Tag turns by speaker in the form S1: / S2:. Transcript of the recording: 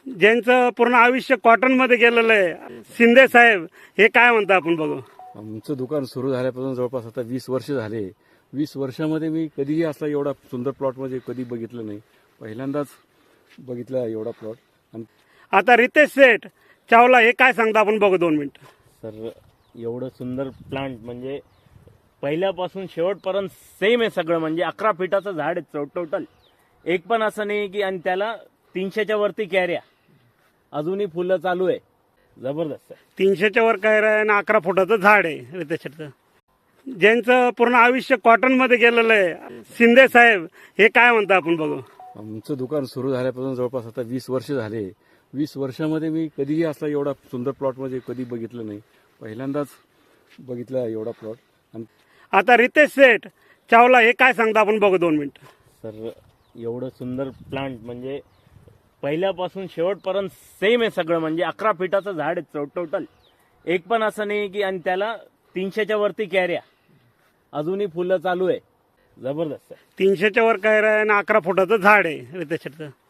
S1: ज्यांचं पूर्ण आयुष्य कॉटनमध्ये गेलेलं आहे, शिंदे साहेब, हे काय म्हणता आपण बघू.
S2: आमचं दुकान सुरू झाल्यापासून जवळपास आता 20 वर्ष झाले. 20 वर्षामध्ये मी कधीही असला एवढा सुंदर प्लॉटमध्ये कधी बघितलं नाही. पहिल्यांदाच बघितला एवढा प्लॉट. आणि
S1: आता रितेश सेठ चावला हे काय सांगता आपण बघू 2 मिनिट.
S3: सर एवढं सुंदर प्लांट म्हणजे पहिल्यापासून शेवटपर्यंत सेम आहे सगळं. म्हणजे 11 फीटाचं झाड आहे टोटल. एक पण असं नाही की, आणि त्याला 300च्या वरती कॅऱ्या, अजूनही फुलं चालू आहे. जबरदस्त आहे.
S1: 300च्या वर काय आहे आणि 11 फुटाचं झाड आहे रितेश सेठचं. ज्यांचं पूर्ण आयुष्य कॉटनमध्ये गेलेलं आहे, शिंदे साहेब, हे काय म्हणता आपण बघू.
S2: आमचं दुकान सुरू झाल्यापासून जवळपास आता 20 वर्ष झाले. 20 वर्षामध्ये मी कधीही असला एवढा सुंदर प्लॉटमध्ये कधी बघितलं नाही. पहिल्यांदाच बघितला एवढा प्लॉट. आणि
S1: आता रितेश सेठ चावला हे काय सांगता आपण बघू 2 मिनिट.
S3: सर एवढं सुंदर प्लांट म्हणजे पहिल्यापासून शेवटपर्यंत सेम आहे सगळं. म्हणजे 11 फीटाचं झाड आहे टोटल. एक पण असं नाही की, आणि त्याला 300च्या वरती कॅऱ्या, अजूनही फुलं चालू आहे. जबरदस्त आहे.
S1: 300च्या वर काय आहे आणि 11 फुटाचं झाड आहे रितेश सेठचं.